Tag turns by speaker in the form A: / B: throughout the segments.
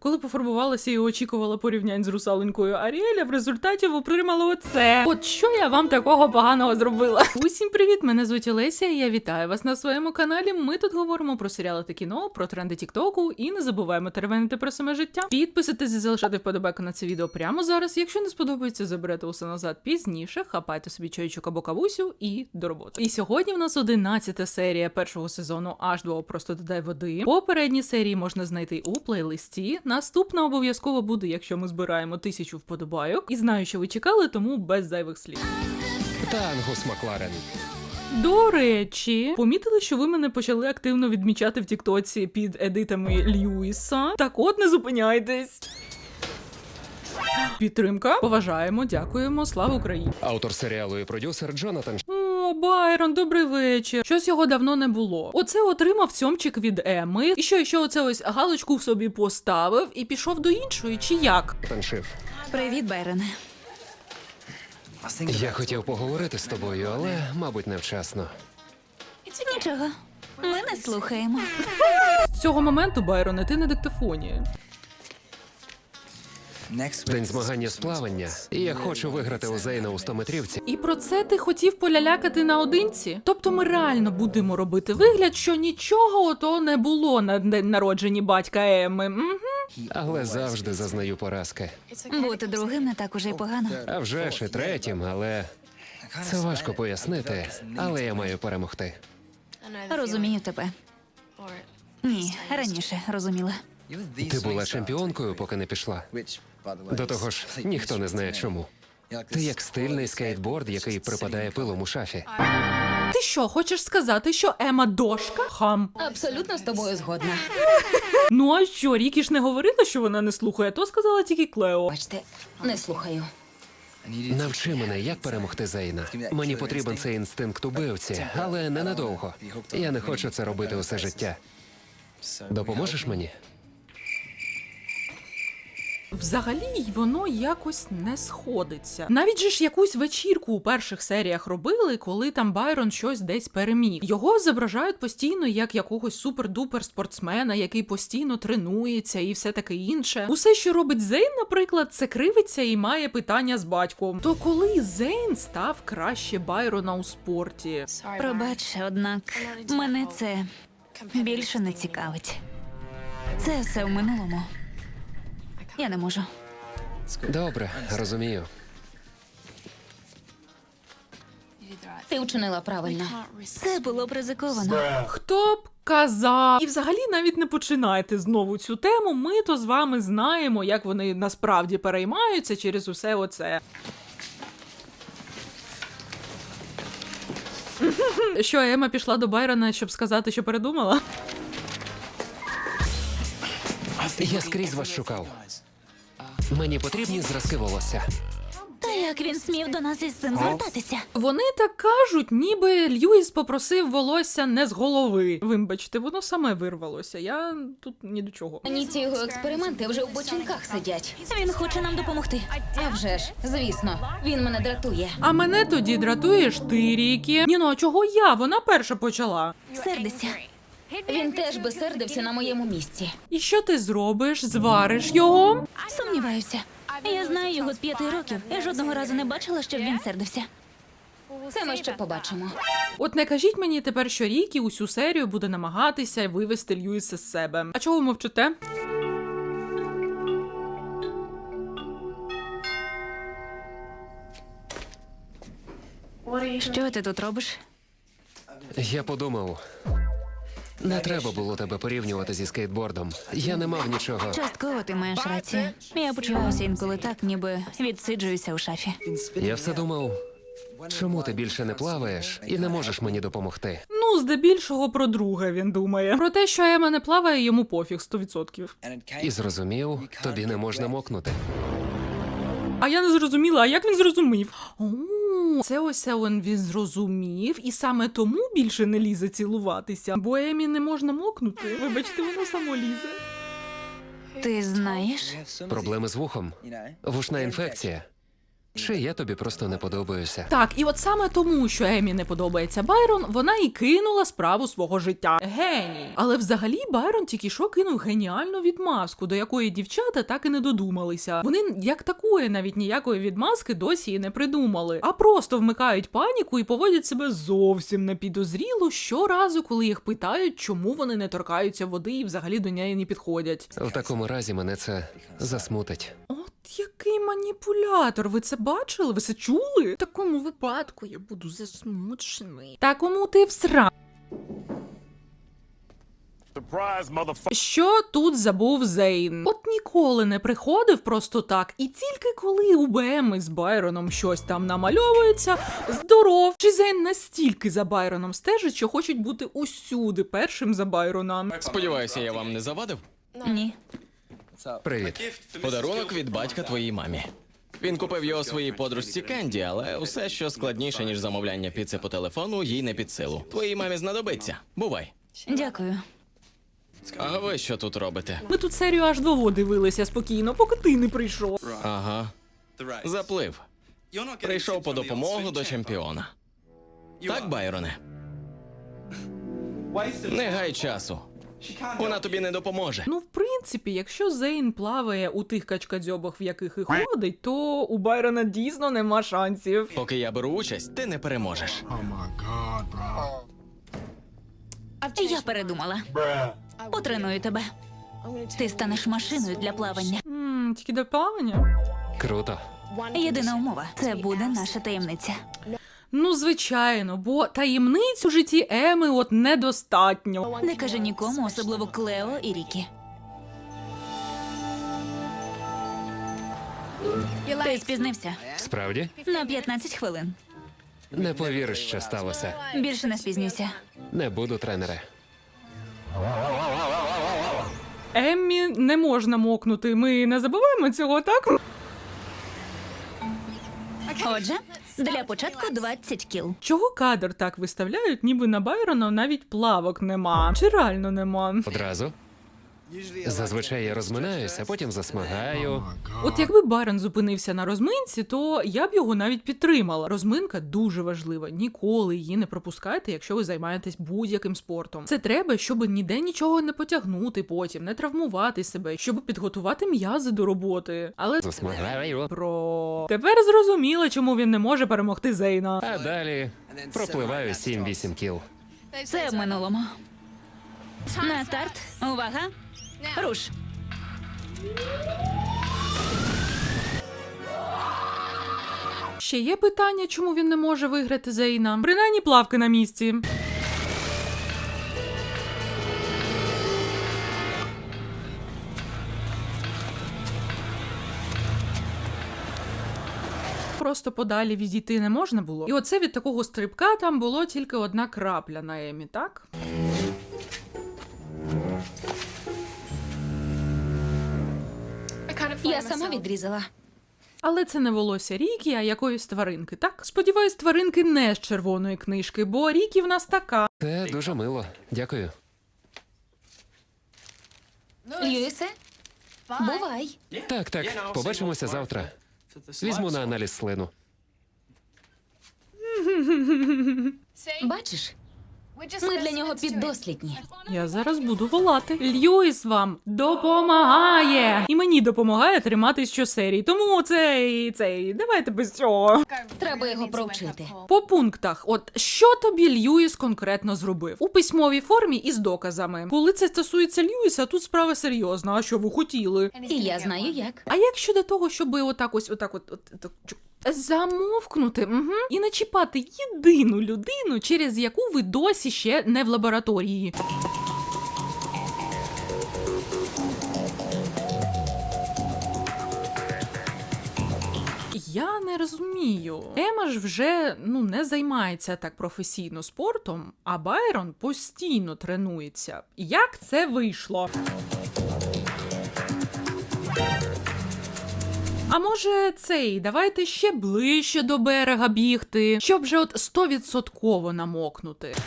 A: Коли пофарбувалася і очікувала порівнянь з русаленькою Аріеля, в результаті отримала оце. От що я вам такого поганого зробила? Усім привіт, мене звуть Олеся, і я вітаю вас на своєму каналі. Ми тут говоримо про серіали та кіно, про тренди тіктоку і не забуваємо теревенити про саме життя. Підписуйтесь і залишайте вподобайку на це відео прямо зараз. Якщо не сподобається, заберете усе назад пізніше, хапайте собі чайчик або кавусю і до роботи. І сьогодні в нас 11-та серія першого сезону H2O «Просто додай води». Попередні серії можна знайти у плейлисті. Наступна обов'язково буде, якщо ми збираємо 1000 вподобайок. І знаю, що ви чекали, тому без зайвих слів.
B: Та Ангус Макларен.
A: До речі, помітили, що ви мене почали активно відмічати в тіктоці під едитами Льюіса? Так от, не зупиняйтесь. Підтримка. Поважаємо, дякуємо, слава Україні.
B: Автор серіалу і продюсер Джонатан.
A: О, Байрон, добрий вечір. Щось його давно не було. Оце отримав цьомчик від Еми. І що оце ось галочку в собі поставив і пішов до іншої, чи як?
B: Шиф.
C: Привіт, Байроне.
B: Я хотів поговорити з тобою, але, мабуть, невчасно.
C: Нічого, ми не слухаємо.
A: З цього моменту, Байроне, ти на диктофоні.
B: День змагання з плавання, і я хочу виграти у Зейна у 100-метрівці.
A: І про це ти хотів полялякати наодинці? Тобто ми реально будемо робити вигляд, що нічого ото не було на день народженні батька Еми.
B: Але завжди зазнаю поразки.
C: Бути другим не так уже й погано.
B: А вже ж і третім, але... Це важко пояснити, але я маю перемогти.
C: Розумію тебе. Ні, раніше розуміла.
B: Ти була чемпіонкою, поки не пішла. До того ж, ніхто не знає чому. Ти як стильний скейтборд, який припадає пилом у шафі.
A: Ти що, хочеш сказати, що Ема дошка? Хам.
C: Абсолютно з тобою згодна.
A: Ну а що, Рікі ж не говорила, що вона не слухає, то сказала тільки Клео.
C: Бачите, не слухаю.
B: Навчи мене, як перемогти Зейна. Мені потрібен цей інстинкт убивці, але ненадовго. Я не хочу це робити усе життя. Допоможеш мені?
A: Взагалі воно якось не сходиться. Навіть же ж якусь вечірку у перших серіях робили, коли там Байрон щось десь переміг. Його зображають постійно як якогось супер-дупер спортсмена, який постійно тренується і все таке інше. Усе, що робить Зейн, наприклад, це кривиться і має питання з батьком. То коли Зейн став краще Байрона у спорті?
C: Пробач, однак мене це більше не цікавить. Це все в минулому. Я не можу.
B: Добре, розумію.
C: Ти вчинила правильно. Це було б ризиковано.
A: Хто б казав? І взагалі навіть не починайте знову цю тему, ми то з вами знаємо, як вони насправді переймаються через усе оце. Що, Ема пішла до Байрона, щоб сказати, що передумала?
B: Я скрізь вас шукав. Мені потрібні зразки волосся.
C: Та як він смів до нас із цим звертатися?
A: Вони так кажуть, ніби Льюіс попросив волосся не з голови. Вибачте, воно саме вирвалося. Я тут ні до чого.
C: Ні, ці його експерименти вже в бочинках сидять. Він хоче нам допомогти. А вже ж, звісно, він мене дратує.
A: А мене тоді дратуєш ти, Рікі. Ні, ну а чого я? Вона перша почала.
C: Сердися. Він теж би сердився на моєму місці.
A: І що ти зробиш? Звариш його?
C: Сумніваюся. Я знаю його з 5 років. Я жодного разу не бачила, щоб він сердився. Це ми ще побачимо.
A: От не кажіть мені тепер, що Рікі усю серію буде намагатися вивести Льюіса з себе. А чого ви мовчите?
C: Що ти тут робиш?
B: Я подумав, не треба було тебе порівнювати зі скейтбордом. Я не мав нічого.
C: Частково ти маєш рацію. Я почуваюся інколи так, ніби відсиджуюся у шафі.
B: Я все думав, чому ти більше не плаваєш і не можеш мені допомогти?
A: Ну, здебільшого про друге він думає. Про те, що Ема не плаває, йому пофіг 100%.
B: І зрозумів, тобі не можна мокнути.
A: А я не зрозуміла, а як він зрозумів? О, це ось він зрозумів, і саме тому більше не лізе цілуватися. Бо Емі не можна мокнути. Вибачте, воно само лізе.
C: Ти знаєш?
B: Проблеми з вухом, вушна інфекція. Чи я тобі просто не подобаюся?
A: Так, і от саме тому, що Емі не подобається Байрон, вона і кинула справу свого життя. Геній. Але взагалі Байрон тільки що кинув геніальну відмазку, до якої дівчата так і не додумалися. Вони як такої навіть ніякої відмазки досі і не придумали, а просто вмикають паніку і поводять себе зовсім непідозріло щоразу, коли їх питають, чому вони не торкаються води і взагалі до неї не підходять.
B: В такому разі мене це засмутить.
A: От який маніпулятор, ви це бачили? Ви це чули? В такому випадку я буду засмучений. Та кому ти всра? Що тут забув Зейн? От ніколи не приходив просто так, і тільки коли у БМ з Байроном щось там намальовується, здоров. Чи Зейн настільки за Байроном стежить, що хочуть бути усюди першим за Байрона?
D: Сподіваюся, я вам не завадив?
C: Ні.
B: Привіт.
D: Подарунок від батька твоїй мамі. Він купив його своїй подружці Кенді, але усе, що складніше, ніж замовляння піци по телефону, їй не під силу. Твоїй мамі знадобиться. Бувай.
C: Дякую.
D: А ви що тут робите?
A: Ми тут серію аж 2 дивилися спокійно, поки ти не прийшов.
D: Ага. Заплив. Прийшов по допомогу до чемпіона. Так, Байроне? Не гай часу. Вона тобі не допоможе.
A: Ну, в принципі, якщо Зейн плаває у тих качкадзьобах, в яких і ходить, то у Байрона дійсно нема шансів.
D: Поки я беру участь, ти не переможеш.
C: Я передумала. Потреную тебе. Ти станеш машиною для плавання.
A: Тільки до плавання?
B: Круто.
C: Єдина умова – це буде наша таємниця.
A: Ну, звичайно, бо таємниць у житті Еми от недостатньо.
C: Не кажи нікому, особливо Клео і Рікі. Ти спізнився
B: Справді?
C: на 15 хвилин.
B: Не повіриш, що сталося.
C: Більше не спізнюйся.
B: Не буду, тренере.
A: Еммі не можна мокнути, ми не забуваємо цього, так?
C: Отже, для початку 20 кіл.
A: Чого кадр так виставляють, ніби на Байрона навіть плавок нема? Чи реально нема?
B: Одразу? Зазвичай я розминаюся, а потім засмагаю.
A: От якби Байрон зупинився на розминці, то я б його навіть підтримала. Розминка дуже важлива. Ніколи її не пропускайте, якщо ви займаєтесь будь-яким спортом. Це треба, щоб ніде нічого не потягнути потім, не травмувати себе, щоб підготувати м'язи до роботи. Але
B: Засмагаю.
A: Тепер зрозуміло, чому він не може перемогти Зейна.
B: А далі пропливаю 7-8 кіл.
C: Це в минулому. На старт. Увага. Руш.
A: Ще є питання, чому він не може виграти Зейна? Принаймні плавки на місці. Просто подалі відійти не можна було. І оце від такого стрибка там було тільки 1 крапля на Емі, так?
C: Я сама відрізала.
A: Але це не волосся Рікі, а якоїсь тваринки, так? Сподіваюсь, тваринки не з червоної книжки, бо Рікі в нас така.
B: Це дуже мило. Дякую.
C: Льюісе, бувай.
B: Так, побачимося завтра. Візьму на аналіз слину.
C: Бачиш, ми для нього піддослідні.
A: Я зараз буду волати. Льюіс вам допомагає! І мені допомагає триматись щосерії. Тому давайте без цього.
C: Треба його провчити.
A: По пунктах, от що тобі Льюіс конкретно зробив? У письмовій формі і з доказами. Коли це стосується Льюіса, тут справа серйозна. А що ви хотіли?
C: І я знаю як.
A: А як щодо того, щоб отак замовкнути і не чіпати єдину людину, через яку ви досі ще не в лабораторії? Я не розумію. Ема ж вже не займається так професійно спортом, а Байрон постійно тренується. Як це вийшло? А може давайте ще ближче до берега бігти, щоб вже 100% намокнути.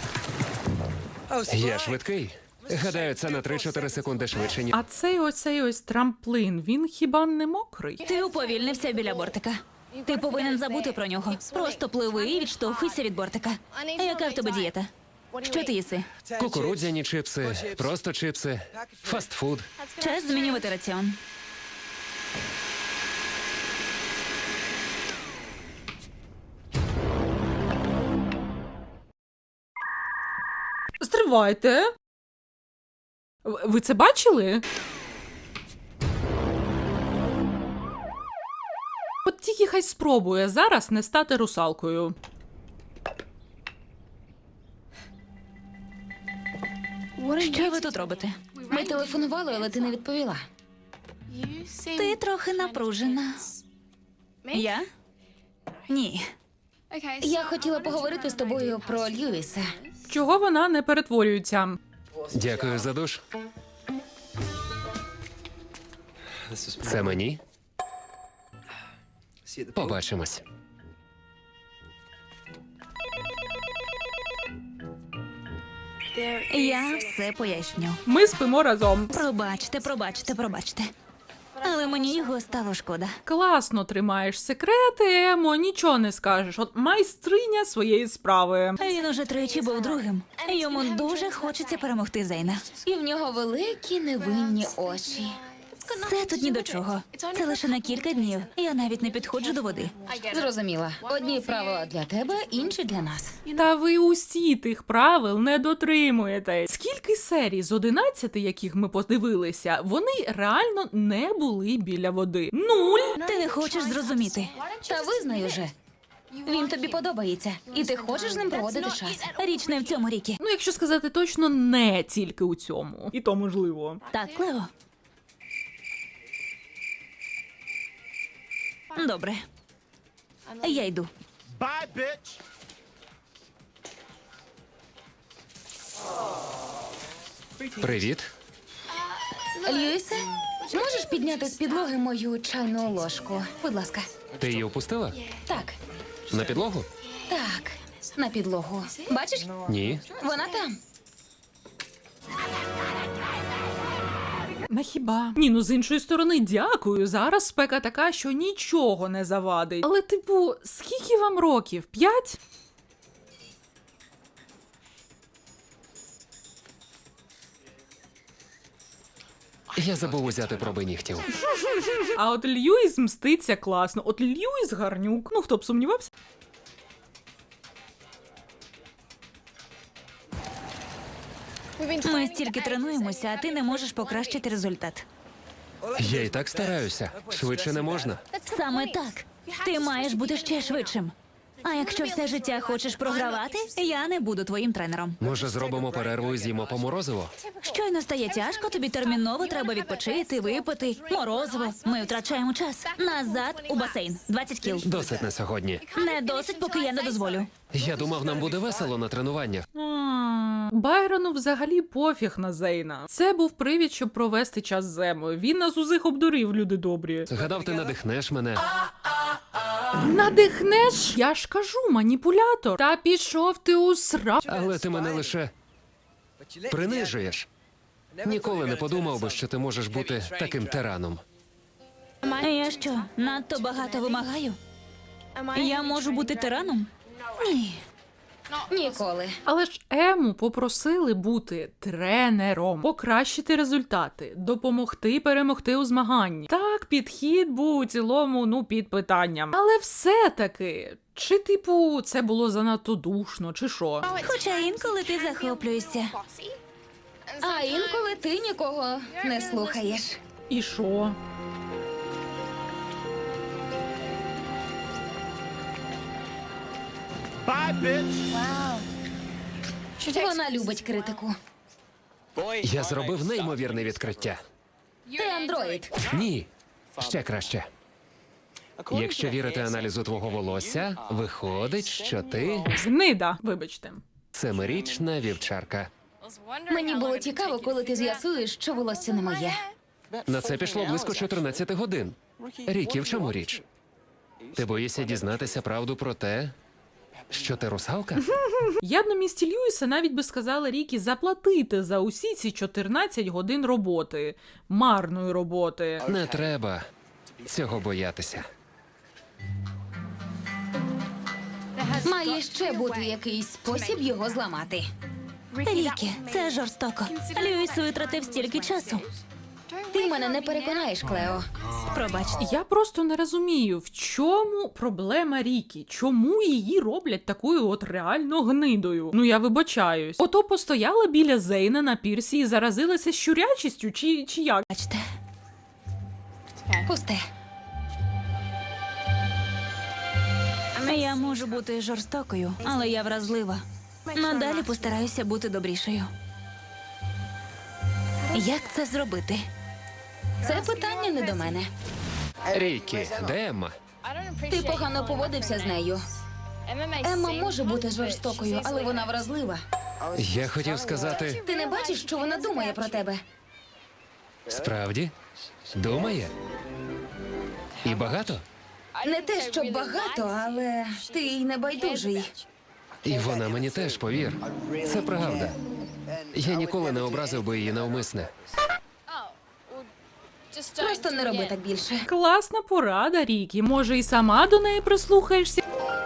B: Я швидкий. Гадаю, це на 3-4 секунди швидше, ніж...
A: А цей ось трамплин, він хіба не мокрий?
C: Ти уповільнився біля бортика. Ти повинен забути про нього. Просто пливи і відштовхуйся від бортика. А яка в тебе дієта? Що ти їси?
B: Кукурудзяні чипси, просто чипси, фастфуд.
C: Час змінювати раціон.
A: Стривайте. Ви це бачили? От тільки хай спробує зараз не стати русалкою.
C: Що ви тут робите?
E: Ми телефонували, але ти не відповіла.
C: Ти трохи напружена. Я? Ні.
E: Я хотіла поговорити з тобою про Льюіса.
A: Чого вона не перетворюється?
B: Дякую за душ. Це мені? Побачимось.
C: Я все поясню.
A: Ми спимо разом.
C: Пробачте. Але мені його стало шкода.
A: Класно тримаєш секрети, Емо, нічого не скажеш. От майстриня своєї справи.
C: Він уже тричі був другим. Йому дуже хочеться перемогти Зейна.
E: І в нього великі невинні очі.
C: Це тут ні до чого. Це лише на кілька днів. Я навіть не підходжу до води.
E: Зрозуміла. Одні правила для тебе, інші для нас.
A: Та ви усі тих правил не дотримуєтесь. Скільки серій з 11, яких ми подивилися, вони реально не були біля води. 0!
C: Ти не хочеш зрозуміти.
E: Та визнай уже. Він тобі подобається, і ти хочеш з ним проводити час.
C: Річ не в цьому, Рікі.
A: Ну, якщо сказати точно, не тільки у цьому. І то можливо.
C: Так, Клео. Добре. Я йду.
B: Привіт.
E: Льюісе, можеш підняти з підлоги мою чайну ложку? Будь ласка.
B: Ти її опустила?
E: Так,
B: На підлогу?
E: так, на підлогу. Бачиш?
B: Ні.
E: Вона там.
A: На хіба? Ні, ну з іншої сторони, дякую. Зараз спека така, що нічого не завадить. Але, типу, скільки вам років? 5?
B: Я забув узяти проби нігтів.
A: А от Льюіс мститься класно. От Льюіс гарнюк. Ну, хто б сумнівався?
C: Ми стільки тренуємося, а ти не можеш покращити результат.
B: Я і так стараюся. Швидше не можна.
C: Саме так. Ти маєш бути ще швидшим. А якщо все життя хочеш програвати, я не буду твоїм тренером.
B: Може, зробимо перерву і з'їмо по морозиво?
C: Щойно стає тяжко, тобі терміново треба відпочити, випити, морозиво. Ми втрачаємо час. Назад у басейн. 20 кіл.
B: Досить на сьогодні.
C: Не досить, поки я не дозволю.
B: Я думав, нам буде весело на тренуваннях.
A: Байрону взагалі пофіг на Зейна. Це був привід, щоб провести час з Емою. Він нас усіх обдурив, люди добрі.
B: Гадав, ти надихнеш мене.
A: Надихнеш? Я ж кажу, маніпулятор. Та пішов ти у сра...
B: Але ти мене лише принижуєш. Ніколи не подумав би, що ти можеш бути таким тираном.
C: Я що, надто багато вимагаю? Я можу бути тираном? Ні.
E: Ніколи.
A: Але ж Ему попросили бути тренером, покращити результати, допомогти перемогти у змаганні. Так, підхід був у цілому, ну, під питанням. Але все-таки, чи типу це було занадто душно, чи що?
C: Хоча інколи ти захоплюєшся.
E: А інколи ти нікого не слухаєш.
A: І що?
E: Вона любить критику.
B: Я зробив неймовірне відкриття.
E: Ти андроїд.
B: Ні, ще краще. Якщо вірити аналізу твого волосся, виходить, що ти
A: Гнида, вибачте.
B: семирічна вівчарка.
E: Мені було цікаво, коли ти з'ясуєш, що волосся не моє.
B: На це пішло близько 14 годин. Рікі, в чому річ? Ти боїшся дізнатися правду про те, що ти русалка?
A: Я б на місці Льюіса навіть би сказала Рікі заплатити за усі ці 14 годин роботи. Марної роботи.
B: Не треба цього боятися.
E: Має ще бути якийсь спосіб його зламати.
C: Рікі, це жорстоко. Льюіс витратив стільки часу.
E: Ти мене не переконаєш, Клео.
C: Пробач.
A: Я просто не розумію, в чому проблема Рікі? Чому її роблять такою от реально гнидою? Ну я вибачаюсь. Ото постояла біля Зейна на пірсі і заразилася щурячістю, чи як?
C: Бачте.
E: Пусте.
C: Я можу бути жорстокою, але я вразлива. Надалі постараюся бути добрішою. Як це зробити?
E: Це питання не до мене.
B: Рікі, де Емма?
E: Ти погано поводився з нею. Емма може бути жорстокою, але вона вразлива.
B: Я хотів сказати,
E: Ти не бачиш, що вона думає про тебе?
B: справді? Думає? І багато?
E: Не те, що багато, але ти й не байдужий.
B: І вона мені теж, повір. Це правда. Я ніколи не образив би її навмисне.
E: Просто не роби так більше.
A: Класна порада, Рікі. Може, і сама до неї прислухаєшся?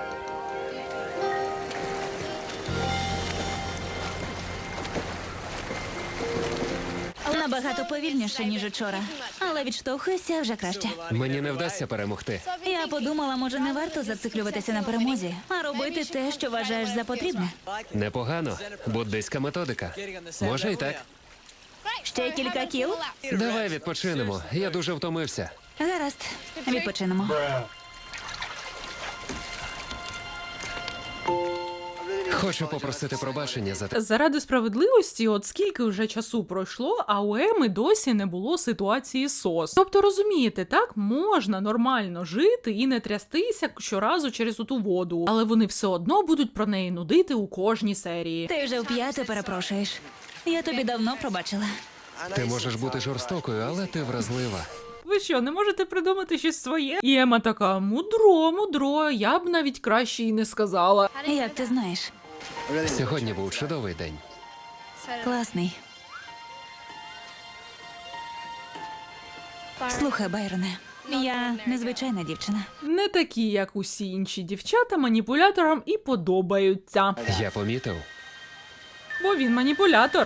C: Набагато повільніше, ніж учора. Але відштовхуюся вже краще.
B: Мені не вдасться перемогти.
C: Я подумала, може, не варто зациклюватися на перемозі, а робити те, що вважаєш за потрібне.
B: Непогано. Буддийська методика. Може і так.
C: Ще кілька кіл?
B: Давай відпочинемо. Я дуже втомився.
C: Гаразд, відпочинемо.
B: Хочу попросити пробачення за те.
A: Заради справедливості, от скільки вже часу пройшло, а у Еми досі не було ситуації СОС. Тобто, розумієте, так можна нормально жити і не трястися щоразу через оту воду, але вони все одно будуть про неї нудити у кожній серії.
C: Ти вже вп'яте перепрошуєш. Я тобі давно пробачила.
B: Ти можеш бути жорстокою, але ти вразлива.
A: Ви що, не можете придумати щось своє? І Ема така, мудро, я б навіть краще і не сказала.
C: Як ти знаєш?
B: Сьогодні був чудовий день.
C: Класний. Слухай, Байроне, я незвичайна дівчина.
A: Не такі, як усі інші дівчата, маніпуляторам і подобаються.
B: Я помітив.
A: Бо він маніпулятор.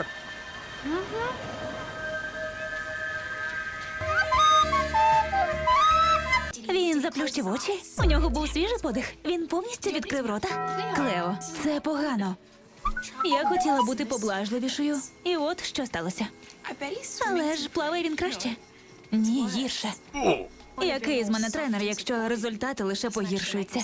C: Він заплющив очі. У нього був свіжий подих. Він повністю відкрив рота. Клео, це погано. Я хотіла бути поблажливішою. І от що сталося. Але ж плаває він краще. Ні, гірше. Який з мене тренер, якщо результати лише погіршуються?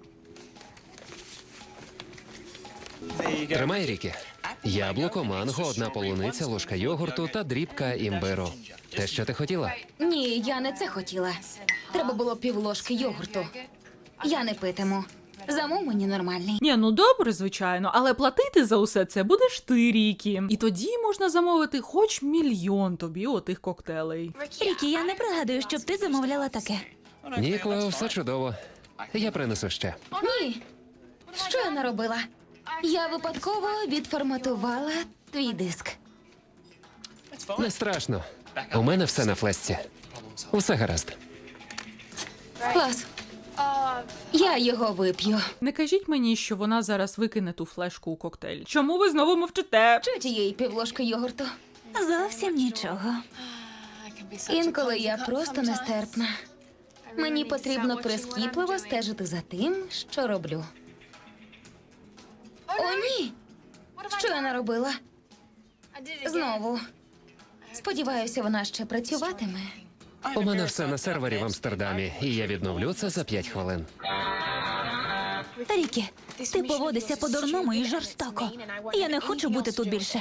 B: Тримай, Рікі. Яблуко, манго, одна полуниця, ложка йогурту та дрібка імбиру. Те, що ти хотіла?
E: Ні, я не це хотіла. Треба було півложки йогурту. Я не питиму. Замов мені нормальний.
A: Ні, ну добре, звичайно, але платити за усе це будеш ти, Рікі. І тоді можна замовити хоч 1 мільйон тобі отих коктейлей.
C: Рікі, я не пригадую, щоб ти замовляла таке.
B: Ні, Клео, все чудово. Я принесу ще.
E: Ні. Що я наробила? Я випадково відформатувала твій диск.
B: Не страшно. У мене все на флешці. Усе гаразд.
E: Клас. Я його вип'ю.
A: Не кажіть мені, що вона зараз викине ту флешку у коктейль. Чому ви знову мовчите?
E: Що тієї півложки йогурту?
C: Зовсім нічого.
E: Інколи я просто нестерпна. Мені потрібно прискіпливо стежити за тим, що роблю. О, ні! Що я наробила? Знову. Сподіваюся, вона ще працюватиме.
B: У мене все на сервері в Амстердамі, і я відновлю це за 5 хвилин.
C: Рікі, ти поводишся по-дурному і жорстоко. Я не хочу бути тут більше.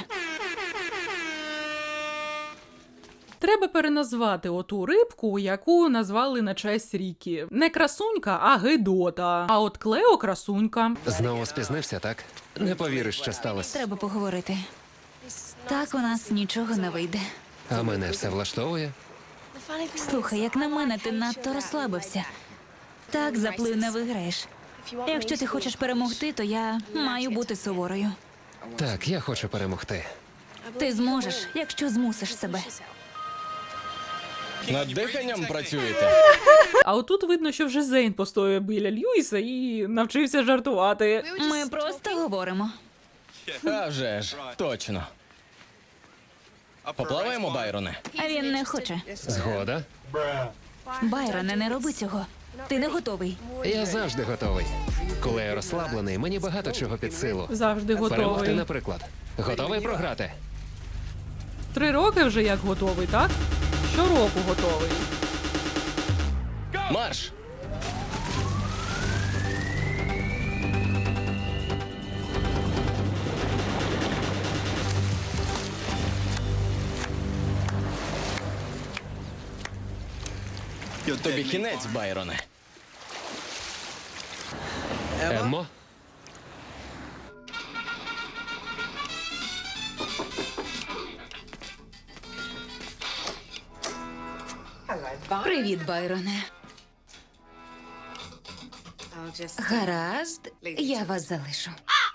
A: Треба переназвати оту рибку, яку назвали на честь Рікі. Не красунька, а Гедота. А от Клео красунька.
B: Знову спізнився, так? Не повіриш, що сталося.
C: Треба поговорити. Так у нас нічого не вийде.
B: А мене все влаштовує.
C: Слухай, як на мене, ти надто розслабився. Так заплив не виграєш. Якщо ти хочеш перемогти, то я маю бути суворою.
B: Так, я хочу перемогти.
C: Ти зможеш, якщо змусиш себе.
D: Над диханням працюєте?
A: А отут видно, що вже Зейн постояв біля Льюіса і навчився жартувати.
C: Ми просто говоримо.
D: А вже ж, точно. Поплаваємо, Байроне?
C: А він не хоче.
B: Згода?
C: Байроне, не роби цього. Ти не готовий.
B: Я завжди готовий. Коли я розслаблений, мені багато чого під силу.
A: Завжди
B: Перемогти,
A: готовий.
B: наприклад. Готовий програти?
A: 3 роки вже як готовий, так? Щороку готовий.
D: Марш! Тобі кінець, Байроне.
B: Еммо?
C: Привіт, Байроне.
E: Гаразд, я вас залишу.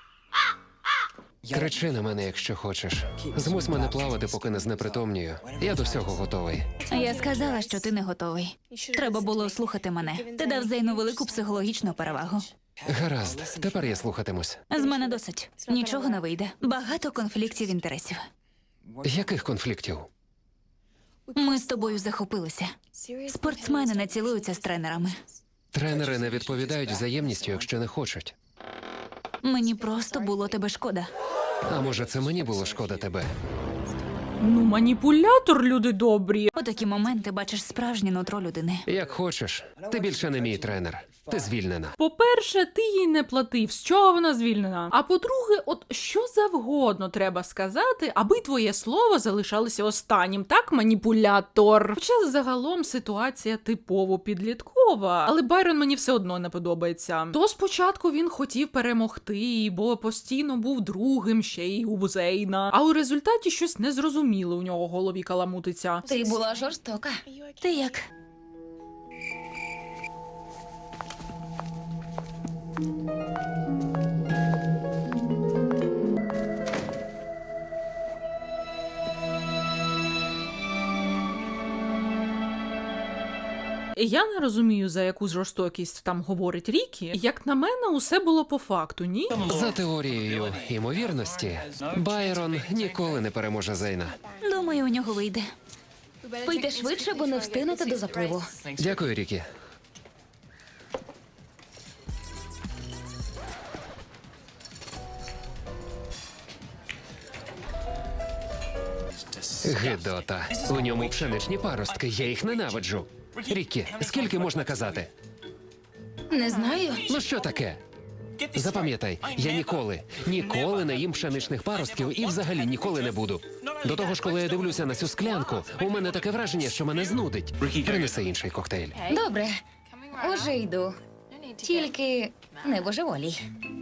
B: Кричи на мене, якщо хочеш. Змусь мене плавати, поки не знепритомнюю. Я до всього готовий.
C: Я сказала, що ти не готовий. Треба було слухати мене. Ти дав Зейну велику психологічну перевагу.
B: Гаразд, тепер я слухатимусь.
C: З мене досить. Нічого не вийде. Багато конфліктів інтересів.
B: Яких конфліктів?
C: Ми з тобою захопилися. Спортсмени не цілуються з тренерами.
B: Тренери не відповідають взаємністю, якщо не хочуть.
C: Мені просто було тебе шкода.
B: А може, це мені було шкода тебе?
A: Ну, маніпулятор, люди добрі.
C: У такі моменти бачиш справжнє нутро людини.
B: Як хочеш. Ти більше не мій тренер. Ти звільнена.
A: По-перше, ти їй не платив, з чого вона звільнена. А по-друге, от що завгодно треба сказати, аби твоє слово залишалося останнім, так, маніпулятор? Хоча загалом ситуація типово підліткова, але Байрон мені все одно не подобається. То спочатку він хотів перемогти, бо постійно був другим ще й у Зейна, а у результаті щось незрозуміле у нього в голові каламутиться.
E: Ти була жорстока.
C: Ти як?
A: Я не розумію, за яку жорстокість там говорить Рікі. Як на мене, усе було по факту, ні?
B: За теорією ймовірності, Байрон ніколи не переможе Зейна.
C: Думаю, у нього вийде.
E: Пийте швидше, бо не встигнете до запливу.
B: Дякую, Рікі. Гидота. У ньому пшеничні паростки, я їх ненавиджу. Рікі, скільки можна казати?
E: Не знаю.
B: Ну що таке? Запам'ятай, я ніколи не їм пшеничних паростків і взагалі ніколи не буду. До того ж, коли я дивлюся на цю склянку, у мене таке враження, що мене знудить. Принеси інший коктейль.
E: Добре, уже йду. Тільки не божеволій.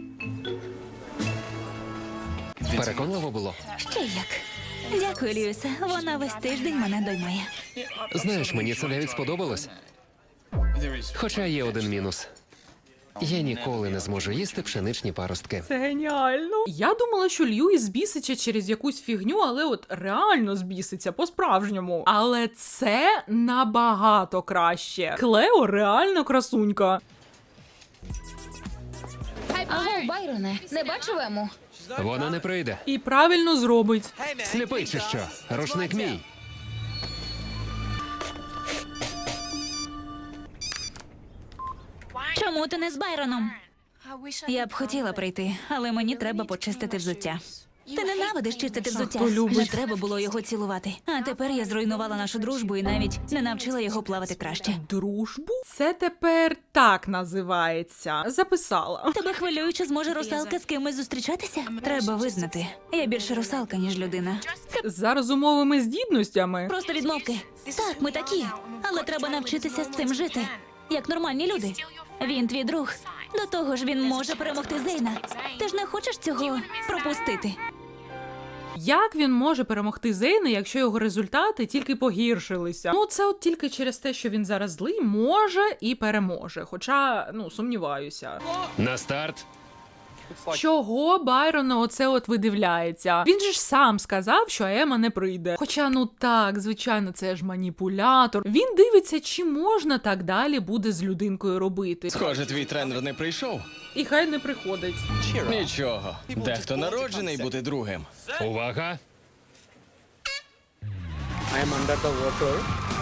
B: Переконливо було.
C: Ще як. Дякую, Льюісе. Вона весь тиждень мене доймає.
B: Знаєш, мені це навіть сподобалось. Хоча є один мінус. Я ніколи не зможу їсти пшеничні паростки.
A: Це геніально. Я думала, що Льюіс збіситься через якусь фігню, але от реально збіситься по-справжньому. Але це набагато краще. Клео реально красунька.
E: Аго, Байроне, не бачив Ему?
B: Вона не прийде.
A: І правильно зробить.
B: Сліпий чи що? Рушник мій.
C: Чому ти не з Байроном? Я б хотіла прийти, але мені треба почистити взуття. Ти ненавидиш чистити взуття.
A: хто любить.
C: Не треба було його цілувати. А тепер я зруйнувала нашу дружбу і навіть не навчила його плавати краще.
A: Дружбу? Це тепер так називається. Записала.
C: Тебе хвилює, чи зможе русалка з кимось зустрічатися? Треба визнати. Я більше русалка, ніж людина.
A: За розумовими здібностями.
C: Просто відмовки. Так, ми такі. Але треба навчитися з цим жити. Як нормальні люди. Він твій друг. До того ж, він може перемогти Зейна. Ти ж не хочеш цього пропустити?
A: Як він може перемогти Зейна, якщо його результати тільки погіршилися? Ну, це от тільки через те, що він зараз злий, може і переможе. Хоча, ну, сумніваюся.
B: На старт.
A: Чого Байрон на оце от видивляється? Він же ж сам сказав, що Ема не прийде. Хоча, ну так, звичайно, це ж маніпулятор. Він дивиться, чи можна так далі буде з людинкою робити.
D: Схоже, твій тренер не прийшов.
A: І хай не приходить.
D: Нічого. Дехто народжений бути другим.
B: Увага!
F: I am under the water.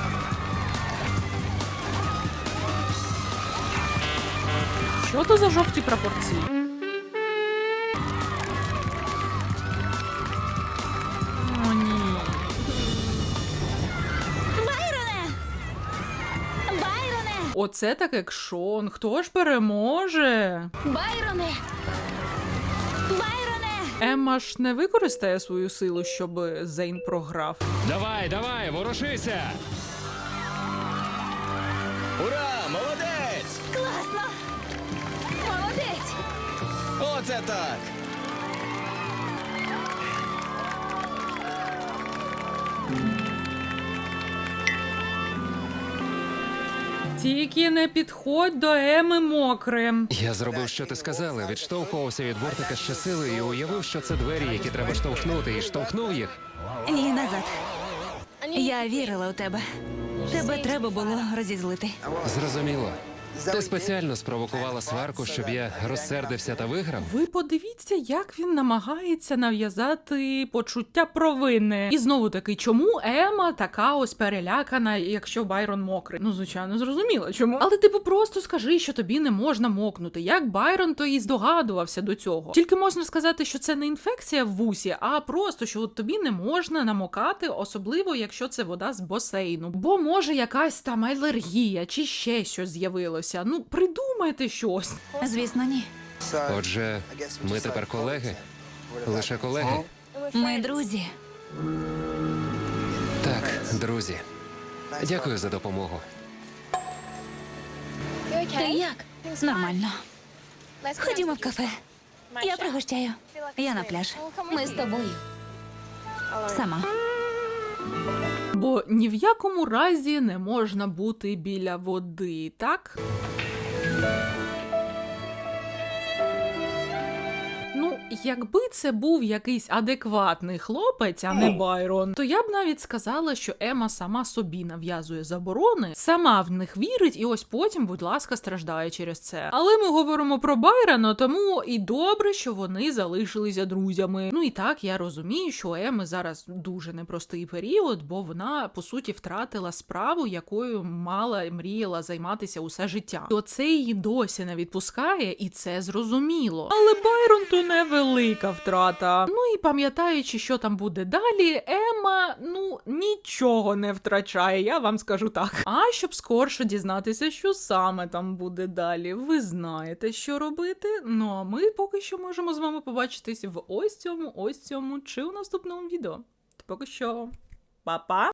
A: Що то за жовті прапорці? О, ні.
C: Байроне! Байроне!
A: Оце так екшон. Хто ж переможе?
E: Байроне!
C: Байроне!
A: Емма ж не використає свою силу, щоб Зейн програв.
B: Давай, давай, ворушися!
D: Ура! Молодець!
C: Класно! Молодець!
D: Оце так!
A: Тільки не підходь до Еми мокрим.
B: Я зробив, що ти сказала, відштовхувався від бортика з щосили і уявив, що це двері, які треба штовхнути, і штовхнув їх.
C: Ні, назад. Я вірила у тебе. Тебе треба було розізлити.
B: Зрозуміло. Ти спеціально спровокувала сварку, щоб я розсердився та виграв?
A: Ви подивіться, як він намагається нав'язати почуття провини. І знову таки, чому Ема така ось перелякана, якщо Байрон мокрий? Ну, звичайно, зрозуміло, чому. Але типу просто скажи, що тобі не можна мокнути. Як Байрон, то і здогадувався до цього. Тільки можна сказати, що це не інфекція в вусі, а просто, що от тобі не можна намокати, особливо, якщо це вода з басейну. Бо може якась там алергія чи ще щось з'явилося. Ну, придумайте щось.
C: Звісно, ні.
B: Отже, ми тепер колеги? Лише колеги?
C: Ми друзі.
B: Так, друзі. Дякую за допомогу.
C: Ти як? Нормально. Ходімо в кафе. Я пригощаю. Я на пляж.
E: Ми з тобою.
C: Сама.
A: Бо ні в якому разі не можна бути біля води, так? Ну, якби це був якийсь адекватний хлопець, а не Байрон, то я б навіть сказала, що Ема сама собі нав'язує заборони, сама в них вірить і ось потім, будь ласка, страждає через це. Але ми говоримо про Байрона, тому і добре, що вони залишилися друзями. Ну і так, я розумію, що у Еми зараз дуже непростий період, бо вона, по суті, втратила справу, якою мала, мріяла займатися усе життя. І оце її досі не відпускає, і це зрозуміло. Але Байрон то невелика втрата. Ну і пам'ятаючи, що там буде далі, Ема, ну, нічого не втрачає, я вам скажу так. А щоб скорше дізнатися, що саме там буде далі, ви знаєте, що робити. Ну а ми поки що можемо з вами побачитись в ось цьому чи у наступному відео. Поки що, па-па!